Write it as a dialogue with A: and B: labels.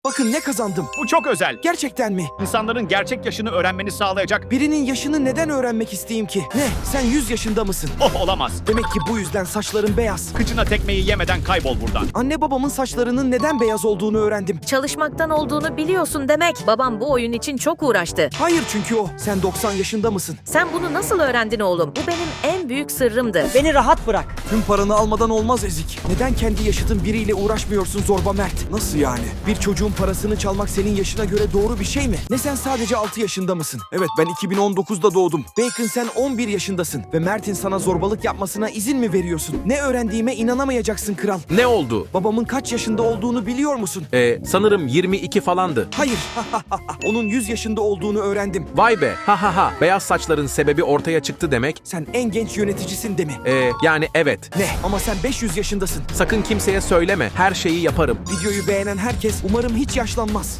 A: Bakın ne kazandım.
B: Bu çok özel.
A: Gerçekten mi?
B: İnsanların gerçek yaşını öğrenmeni sağlayacak.
A: Birinin yaşını neden öğrenmek isteyeyim ki? Ne? Sen 100 yaşında mısın?
B: Oh, olamaz.
A: Demek ki bu yüzden saçların beyaz.
B: Kıçına tekmeyi yemeden kaybol buradan.
A: Anne babamın saçlarının neden beyaz olduğunu öğrendim.
C: Çalışmaktan olduğunu biliyorsun demek. Babam bu oyun için çok uğraştı.
A: Hayır çünkü o. Sen 90 yaşında mısın?
C: Sen bunu nasıl öğrendin oğlum? Bu benim en büyük sırrımdı.
D: Beni rahat bırak.
A: Tüm paranı almadan olmaz Ezik. Neden kendi yaşıtın biriyle uğraşmıyorsun Zorba Mert? Nasıl yani? Bir çocuğun parasını çalmak senin yaşına göre doğru bir şey mi? Ne sen sadece 6 yaşında mısın? Evet ben 2019'da doğdum. Bacon sen 11 yaşındasın. Ve Mert'in sana zorbalık yapmasına izin mi veriyorsun? Ne öğrendiğime inanamayacaksın kral.
E: Ne oldu?
A: Babamın kaç yaşında olduğunu biliyor musun?
E: Sanırım 22 falandı.
A: Hayır. Onun 100 yaşında olduğunu öğrendim.
E: Vay be, ha ha ha. Beyaz saçların sebebi ortaya çıktı demek.
A: Sen en genç yöneticisin de mi?
E: Yani evet.
A: Ne? Ama sen 500 yaşındasın.
E: Sakın kimseye söyleme, her şeyi yaparım.
A: Videoyu beğenen herkes umarım hiç yaşlanmaz.